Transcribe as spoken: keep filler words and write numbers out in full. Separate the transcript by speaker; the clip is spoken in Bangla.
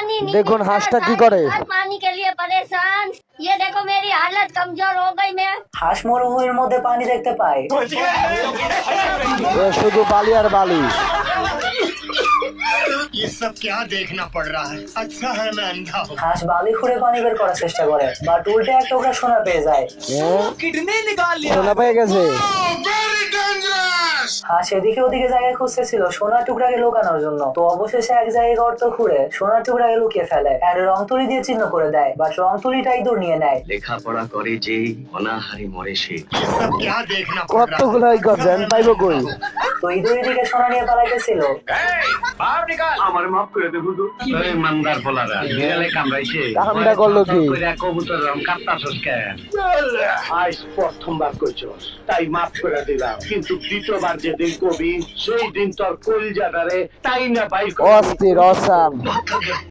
Speaker 1: দেখুন হাঁসটা কি করে।
Speaker 2: पानी के लिए परेशान। ये देखो मेरी हालत कमजोर हो गई मैं।
Speaker 3: হাঁস মরুভূমির মধ্যে পানি দেখতে পায়।
Speaker 1: এ শুধু বালি আর বালি।
Speaker 4: ये सब क्या देखना पड़ रहा है? अच्छा है मैं अंधा हूँ।
Speaker 3: হাঁস বালি খুঁড়ে পানি বের করার চেষ্টা করে, বাট উল্টে একটা টুকরা সোনা পেয়ে যায়।
Speaker 1: সোনা পেয়ে গেছে।
Speaker 3: হাঁস এদিকে ওদিকে জায়গায় খুঁজতেছিল সোনার টুকরাকে লুকানোর জন্য, তো অবশেষে এক জায়গায় গর্ত খুঁড়ে সোনার টুকরাকে লুকিয়ে ফেলে আর রং তুলি দিয়ে চিহ্ন করে দেয়, বাট রং তুলিটাই দূর নিয়ে নেয়।
Speaker 5: লেখাপড়া করে যে অনাহারে মরে সে।
Speaker 4: ये सब क्या देखना पड़ रहा है?
Speaker 1: কতগুলো এই গর্জন পাইবো কই।
Speaker 3: তো ইঁদুর এদিকে সোনা নিয়ে পালাইতেছিল।
Speaker 5: আমার মাফ করে দে হুজুর। এই মানদার বলারা বিড়ালে কামড়াইছে।
Speaker 1: কামটা করলো কি?
Speaker 5: কইরা কবুতর রং কাটতাছস কেন?
Speaker 6: আজ প্রথমবার কইছস তাই মাফ করে দিলাম, কিন্তু দ্বিতীয়বার যেদিন কবি সেই দিন তোর কলিজাটারে তাই না বাইর করে
Speaker 1: অস্থির অসাম।